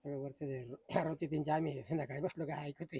सगळं वरती रोजचे त्यांचे आम्ही संध्याकाळी बसलो काय ऐकते.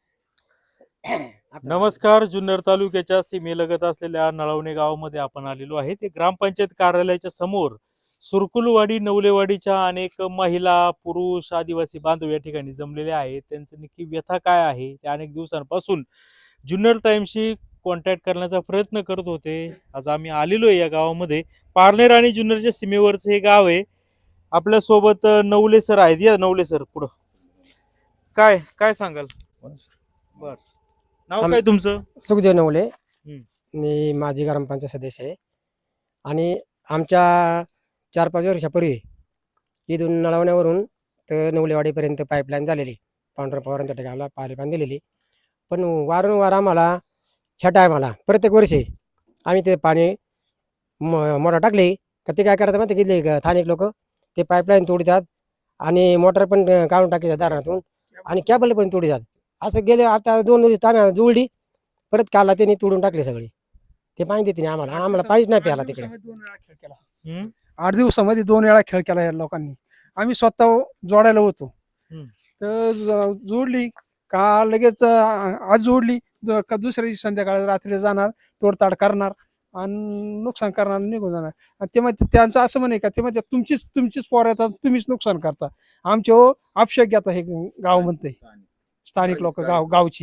नमस्कार. जुन्नर तालुक्याच्या सीमेलगत असलेल्या नळवणे गावामध्ये आपण आलेलो आहे. ते ग्रामपंचायत कार्यालयाच्या समोर सुरकुलवाडी नवलेवाडीच्या अनेक महिला, पुरुष, आदिवासी बांधव या ठिकाणी जमलेले आहेत. त्यांचं नक्की व्यथा काय आहे ते अनेक दिवसांपासून जुन्नर टाइम्सशी कॉन्टॅक्ट करण्याचा प्रयत्न करत होते. आज आम्ही आलेलो आहे या गावामध्ये. पारनेर आणि जुन्नरच्या सीमेवरचं हे गाव आहे. आपल्या सोबत नवले सर आहेत. या नवले सर पुढं काय काय सांगाल? बर, नाव काय तुमचं? सुखदेव नवले. मी माजी ग्रामपंचायत सदस्य आहे आणि आमच्या 4-5 वर्षापूर्वी इथून नळवण्यावरून तर नवलेवाडीपर्यंत पाईपलाईन झालेली, पांढरा पवारांच्या ठिकाणाला पाईपलाईन दिलेली. पण वारंवार आम्हाला ह्या टायमाला प्रत्येक वर्षी आम्ही ते पाणी मोटर टाकले का ते काय करतात माहिती घेतले का स्थानिक लोक ते पाईपलाईन तोडतात आणि मोटर पण काढून टाकतात दारातून आणि कॅबल पण तोडतात. असं गेले आता 2 दिवस आम्ही जुळली, परत काला त्यांनी तोडून टाकले सगळे. ते पाणी देते नाही आम्हाला आणि आम्हाला पाणीच नाही प्यायला तिकडे. 8 दिवसामध्ये 2 वेळा खेळ केला या लोकांनी. आम्ही स्वतः जोडायला होतो. तर जोडली का लगेच आज जोडली का दुसऱ्या दिवशी संध्याकाळी रात्री जाणार, तोडताड करणार आणि नुकसान करणार, निघून जाणार. आणि ते मग त्यांचं असं म्हणे का ते म्हणजे तुमचीच पोर येतात, तुम्हीच नुकसान करता. आमचे आक्षेप घेता हे गाव म्हणते स्थानिक लोक गावची.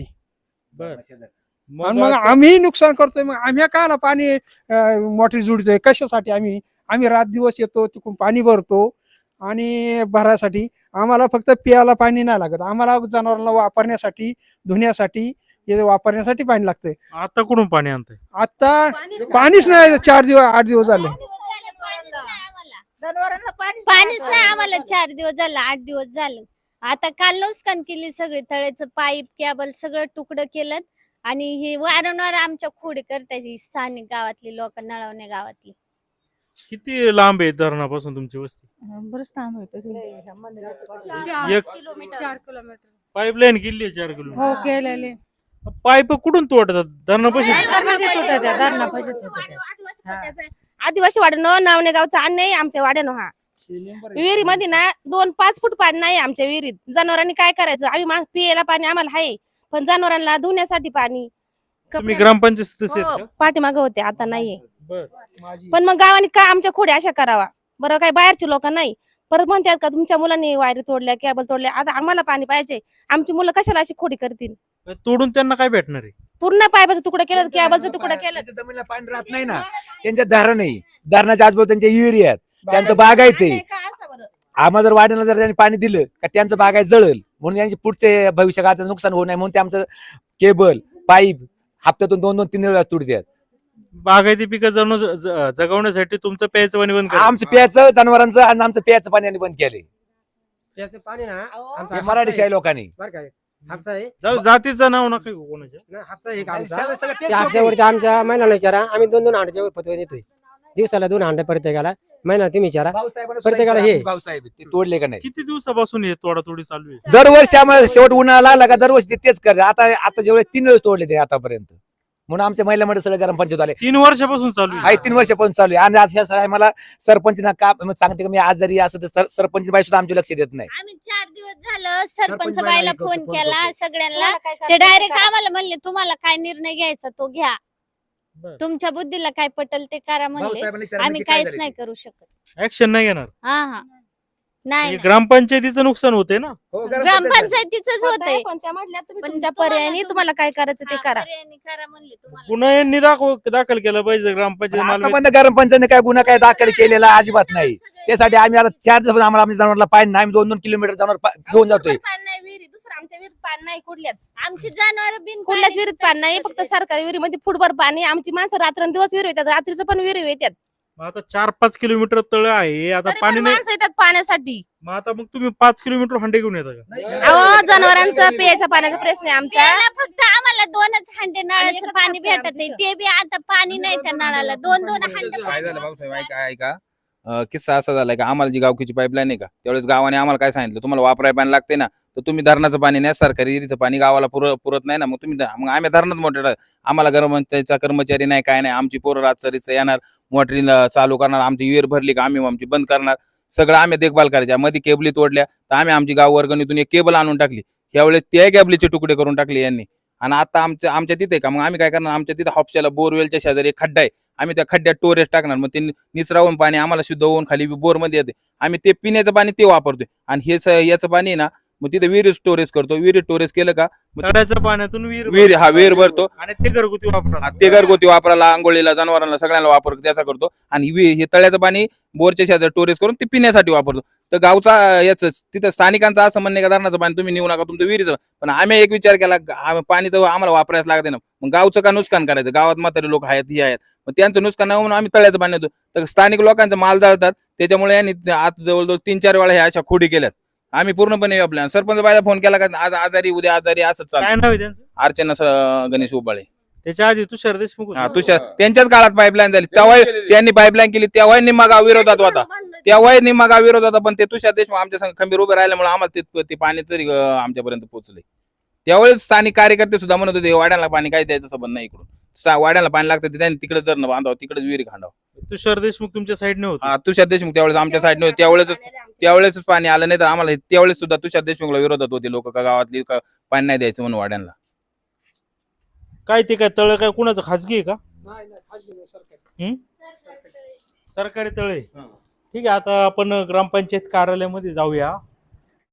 मग आम्ही नुकसान करतोय. मग आम्ही काला पाणी मोटरी जोडतोय कशासाठी? आम्ही रात दिवस येतो तिकडून पाणी भरतो आणि भरायसाठी. आम्हाला फक्त प्यायला पाणी नाही लागत, आम्हाला जनावरांना वापरण्यासाठी, धुण्यासाठी, हे वापरण्यासाठी पाणी लागतंय. आता कुठून पाणी आणतंय? आता पाणीच नाही. 8 दिवस झाले पाणीच नाही आम्हाला. 4 दिवस झालं, 8 दिवस झालं. आता काल नुकसान केली सगळी, तळ्याचं पाईप कॅबल सगळं तुकडं केलं आणि हे वारंवार आमच्या खोडी करतायत स्थानिक गावातली लोक, नळवणे गावातली. किती लांब आहे धरणापासून तुमची वस्ती? बरंच लांब आहे तरी. 4 किलोमीटर पाईपलाईन केली आहे 4 किलोमीटर. हो केलेले. पाईप कुठून तोडतात? धरणापाशी? आदिवासी वाड्यानो नावणे गावचा अन्न आहे आमच्या वाड्यानो. हा विहिरीमध्ये ना 2-5 फूट पाणी नाही आमच्या विहिरीत. जनावरांनी काय करायचं? आम्ही पियाला पाणी आम्हाला आहे, पण जनावरांना धुण्यासाठी पाणी. तुम्ही ग्रामपंचायत सदस्य आहेत का? पाठीमागे होते, आता नाहीये. बर. पण मग गावाने का आमच्या खोड्या अशा करावा बरं? काही बाहेरचे लोक नाही परत म्हणतात का तुमच्या मुलांनी वायरी तोडल्या, कॅबल तोडल्या. आता आम्हाला पाणी पाहिजे, आमची मुलं कशाला अशी खोडी करतील? तोडून त्यांना काय भेटणार आहे? पूर्ण पाईपाचं तुकडं केलं, कॅबलचं तुकडं केलं. जमिनीला पाणी राहत नाही ना, त्यांच्या धारण नाही. धरणाच्या आजूबाजू त्यांच्या विहिरी आहेत, त्यांचं बागायत आहे. आम्हाला जर वाड्याला जर त्यांनी पाणी दिलं का त्यांचं बागायत जळल, म्हणून त्यांचे पुढचे भविष्यकाळाचं नुकसान होऊ नये म्हणून ते आमचं केबल पाईप हप्त्यातून 2-3 वेळा तोडतात. बागायती पिकं जगवण्यासाठी तुमचं प्यायचं पाणी बंद करा. आमचं प्यायचं जनावरांचं आणि आमचं प्यायचं पाणी बंद केले. त्याचं पाणी ना हे मराठी शाही लोकांनी बरं काय हापसा आहे जातीचं नाव नका घेऊ कोणाच्या. ना, हापसा आहे आणि आमचा. सगळं तेच ते हापशावरती आमच्या महिन्याला विचारा, आम्ही 2-2 हांड्याच्या वर पतवून येतोय. दिवसाला 2 हांडे प्रत्येकाला. महिन्याला तुम्ही विचारा प्रत्येकाला हे. भाऊसाहेब ते तोडले का नाही? किती दिवसापासून हे तोडातोडी चालू आहे? दरवर्षी आम्हाला शेवट उन्हाळा लागला का दरवर्षी ते तेच करते. आता जेवढे 3 वेळेस तोडले ते आतापर्यंत. म्हणून आमच्या महिला मंडळ सगळे ग्रामपंचायत आले. 3 वर्षापासून चालू आहे. 3 वर्षापासून चालू आहे. आणि आज ह्या सगळ्या मला सरपंच का सांगते की मी आज जरी असं तर सरपंच बाई सुद्धा आमचे लक्ष देत नाही. आम्ही 4 दिवस झालं सरपंच सरपंच बाईला बाईला फोन फोन केला करतो. सगळ्यांना. ते डायरेक्ट आम्हाला म्हणले तुम्हाला काय निर्णय घ्यायचा तो घ्या, बरं. तुमच्या बुद्धीला काय पटल ते करा म्हणले. भाऊसाहेबांनी विचारलं आम्ही की काय काहीच झालं नाही ते? करू शकत. ऍक्शन नाही घेणार. हा नाही म्हणजे ग्रामपंचायतीचं नुकसान होते ना. हो, ग्रामपंचायतीच होते. पण त्या म्हटल्या तुम्ही पण तुमच्या तुम्हाला पर्यायाने तुम्हाला काय करायचं ते करा. करा म्हणले तुम्हाला. गुन्हा यांनी दाखल केला पाहिजे ग्रामपंचायत मालमत्ता. आतापर्यंत ग्रामपंचायतीने काय गुन्हा काय दाखल केलेला अजिबात नाही. त्यासाठी आम्ही आता 4 दिवस आम्हाला आमच्या जनावरला पाणी नाही. आम्ही 2-2 किलोमीटर जनावर घेऊन जातोय. पाणी नाही विहिरी, दुसरं आमच्या विहिरीत पाणी नाही कुठल्याच. आमची जनावर बिन कुठल्याच विहिरीत पाणी नाही, फक्त सरकारी विहिरीमध्ये फुटभर पाणी. आमची माणसं रात्रंदिवस विहिरी येतात, रात्रीचं पण विहिरी येतात. मग आता 4-5 किलोमीटर तळ आहे, आता तरी पाणी पण नाही. माणसं येतात पाण्यासाठी. मग आता मग तुम्ही 5 किलोमीटर हंडे घेऊन येता का? अहो जनावरांचं प्यायच्या पाण्याचा प्रश्न आहे आमचा. प्यायला फक्त आम्हाला 2च हांडे नळाचं पाणी भेटत आहे. ते बी आता पाणी नाही त्या नळाला. 2-2 हांडे काय झालं भाऊसाहेब ऐका किस्सा असा झालाय का आम्हाला जी गावकीची पाईपलाईन आहे का त्यावेळेस गावाने आम्हाला काय सांगितलं तुम्हाला वापरायला पाणी लागते ना तर तुम्ही धरणाचं पाणी नाही सरकारी विहिरीचं पाणी गावाला पुरत नाही ना मग तुम्ही मग आम्ही धरणात मोटर आम्हाला ग्रामपंचायतचा कर्मचारी नाही काय नाही आमची पोरं रातसरीचं येणार मोटरी चालू करणार आमची विहीर भरली का आम्ही आमची बंद करणार सगळं आम्ही देखभाल करायच्या. मध्ये केबली तोडल्या तर आम्ही आमची गाव वर्गणीतून एक केबल आणून टाकली. यावेळेस त्या केबलीचे तुकडे करून टाकले यांनी. आणि आता आमच्या तिथे का मग आम्ही काय करणार, आमच्या तिथे हापशाला बोरवेलच्या शेजारी एक खड्डा आहे, आम्ही त्या खड्ड्यात टोरेस टाकणार. मग ते निचरावून पाणी आम्हाला शुद्ध होऊन खाली बोरमध्ये येते. आम्ही ते पिण्याचं पाणी ते वापरतोय. आणि याचं पाणी आहे ना मग तिथे विहीर स्टोरेज करतो. विहीर स्टोरेज केलं का मग तळ्याच्या पाण्यातून विहीर भरतो. आणि ते घरगुती वापरा. ते घरगुती वापराला, आंघोळीला, जनावरांना सगळ्यांना वापर त्याचा करतो. आणि हे तळ्याचं पाणी बोरच्या शेजारी स्टोरेज करून ते पिण्यासाठी वापरतो. तर गावचा याच तिथं स्थानिकांचं असं म्हणणे का धरणाचं पाणी तुम्ही नेऊ नका, तुमचं विहिरीचं. पण आम्ही एक विचार केला, पाणी तर आम्हाला वापरायला लागते ना, मग गावचं का नुकसान करायचं. गावात म्हातारे लोक आहेत, हे आहेत, मग त्यांचं नुकसान नाही म्हणून आम्ही तळ्याचं पाणी देतो. तर स्थानिक लोकांचा माल जाळतात. त्याच्यामुळे यांनी आता जवळजवळ 3-4 वेळा ह्या अशा खोडी केल्यात. आम्ही पूर्णपणे आपल्या सरपंच बायला फोन केला का आज आजारी उद्या आजारी असंच काय चालतं. नाव आहे त्यांचं? अर्चना गणेश उबाळे. त्याच्या आधी तुषार देशमुख होते. हा तुषार त्यांच्याच काळात पाईपलाईन झाली, तेव्हा त्यांनी पाईपलाईन केली, तेव्हा निम्मा गाव विरोधात होता. तेव्हाही निम्मा गाव विरोध होता. पण ते तुषार देशमुख आमच्या संग खंबीर उभे राहिल्यामुळे आम्हाला ते पाणी तरी आमच्यापर्यंत पोहोचले. त्यावेळेस स्थानिक कार्यकर्ते सुद्धा म्हणत होते वाड्याला पाणी काही द्यायचं संबंध नाही, इकडून वाड्याला पाणी लागतं ते त्यांनी तिकडे जर बांधावं, तिकडेच विहिरी खांडावं. तुषार देशमुख तुमच्या साईडने होते. हा तुषार देशमुख त्यावेळेस आमच्या साईडने त्यावेळेस पाणी आलं नाही. तर आम्हाला त्यावेळेस सुद्धा तुषार देशमुखला विरोधात होते लोक, का गावातली पाणी नाही द्यायचं म्हणून वाड्यांना. काय ते काय तळ काय कुणाचं खाजगी आहे का? सरकारी तळे. ठीक आहे, आता आपण ग्रामपंचायत कार्यालयामध्ये जाऊया.